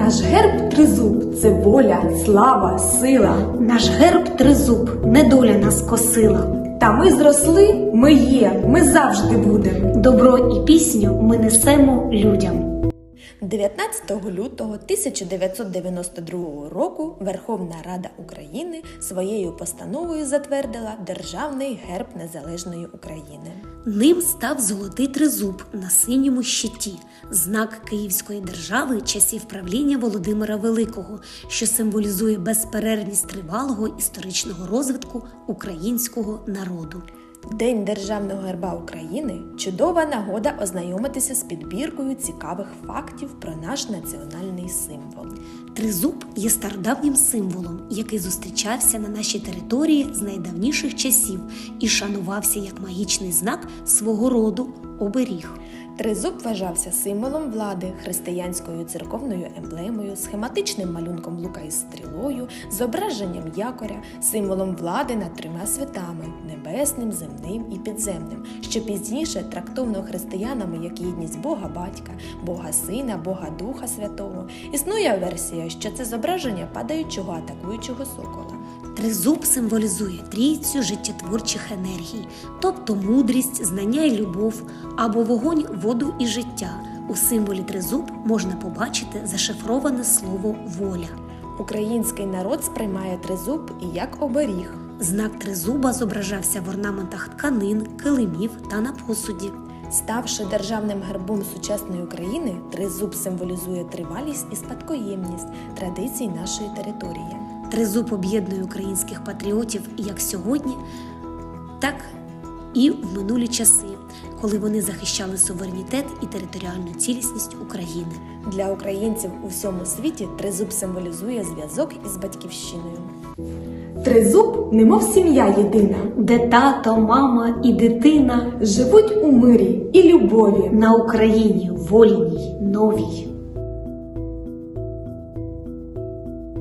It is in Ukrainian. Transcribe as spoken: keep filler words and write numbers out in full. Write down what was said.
Наш герб тризуб – це воля, слава, сила. Наш герб тризуб, недоля нас косила. Та ми зросли, ми є, ми завжди будем. Добро і пісню ми несемо людям. дев'ятнадцятого лютого тисяча дев'ятсот дев'яносто другого року Верховна Рада України своєю постановою затвердила Державний герб Незалежної України. Ним став золотий тризуб на синьому щиті, знак Київської держави часів правління Володимира Великого, що символізує безперервність тривалого історичного розвитку українського народу. День Державного герба України – чудова нагода ознайомитися з підбіркою цікавих фактів про наш національний символ. Тризуб є стародавнім символом, який зустрічався на нашій території з найдавніших часів і шанувався як магічний знак свого роду – оберіг. Тризуб вважався символом влади, християнською церковною емблемою, схематичним малюнком лука із стрілою, зображенням якоря, символом влади над трьома святами – небесним, земним і підземним, що пізніше трактовано християнами як єдність Бога Батька, Бога Сина, Бога Духа Святого. Існує версія, що це зображення падаючого атакуючого сокола. Тризуб символізує трійцю життєтворчих енергій, тобто мудрість, знання і любов, або вогонь, воду і життя. У символі тризуб можна побачити зашифроване слово «воля». Український народ сприймає тризуб і як оберіг. Знак тризуба зображався в орнаментах тканин, килимів та на посуді. Ставши державним гербом сучасної України, тризуб символізує тривалість і спадкоємність традицій нашої території. Тризуб об'єднує українських патріотів як сьогодні, так і в минулі часи, коли вони захищали суверенітет і територіальну цілісність України. Для українців у всьому світі тризуб символізує зв'язок із батьківщиною. Тризуб – немов сім'я єдина. Де тато, мама і дитина Живуть у мирі і любові. на Україні вольній, новій.